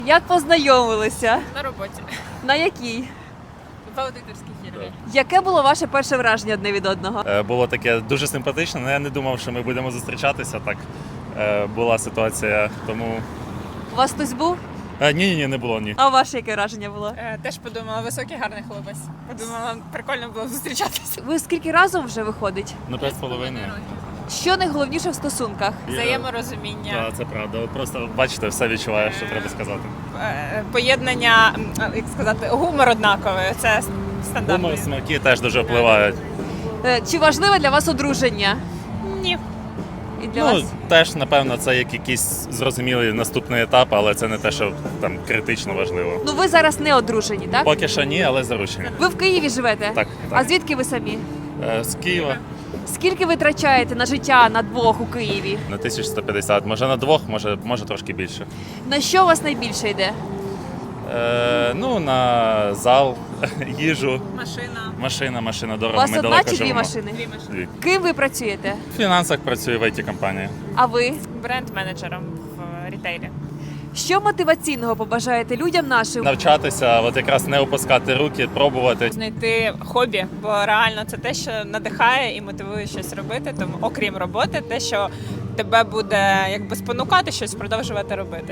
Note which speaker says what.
Speaker 1: Як познайомилися?
Speaker 2: На роботі.
Speaker 1: На якій?
Speaker 2: В аудиторській фірмі.
Speaker 1: Яке було ваше перше враження одне від одного?
Speaker 3: Було таке дуже симпатично, але я не думав, що ми будемо зустрічатися. Так була ситуація, тому
Speaker 1: У вас хтось був?
Speaker 3: ні, не було ні.
Speaker 1: А у вас яке враження було?
Speaker 2: Теж подумала, високий гарний хлопець. Подумала, прикольно було зустрічатися.
Speaker 1: Ви скільки разом вже виходить?
Speaker 3: Ну 5,5.
Speaker 1: Що найголовніше в стосунках?
Speaker 2: Взаєморозуміння,
Speaker 3: Так, це правда. От просто бачите, все відчуваєш, що треба сказати.
Speaker 2: поєднання, як сказати, гумор однаковий. Це стандартно.
Speaker 3: Гумор, смаки теж дуже впливають.
Speaker 1: Чи важливе для вас одруження?
Speaker 2: Ні.
Speaker 1: І для
Speaker 3: Ну,
Speaker 1: вас?
Speaker 3: теж, напевно, це як якийсь зрозумілий наступний етап, але це не те, що там критично важливо.
Speaker 1: Ну ви зараз не одружені, так?
Speaker 3: Поки що ні, але заручені.
Speaker 1: Ви в Києві живете?
Speaker 3: Так,
Speaker 1: А
Speaker 3: так.
Speaker 1: звідки ви самі?
Speaker 3: З Києва
Speaker 1: Скільки ви витрачаєте на життя на двох у Києві?
Speaker 3: на 1150, може на двох, може трошки більше.
Speaker 1: На що у вас найбільше йде?
Speaker 3: Ну, на зал, їжу,
Speaker 2: Машина.
Speaker 3: машина
Speaker 1: У
Speaker 3: дорого.
Speaker 1: вас
Speaker 3: Ми
Speaker 1: одна
Speaker 3: далеко
Speaker 1: чи дві
Speaker 3: живемо.
Speaker 1: машини?
Speaker 2: Дві машини.
Speaker 3: Дві.
Speaker 1: Ким ви працюєте?
Speaker 3: В фінансах працюю в IT-компанії.
Speaker 1: А ви?
Speaker 2: Бренд-менеджером в рітейлі.
Speaker 1: Що мотиваційного побажаєте людям нашим?
Speaker 3: Навчатися, от якраз не опускати руки, пробувати.
Speaker 2: Знайти хобі, бо реально це те, що надихає і мотивує щось робити. Тому, окрім роботи, те, що тебе буде якби спонукати щось продовжувати робити.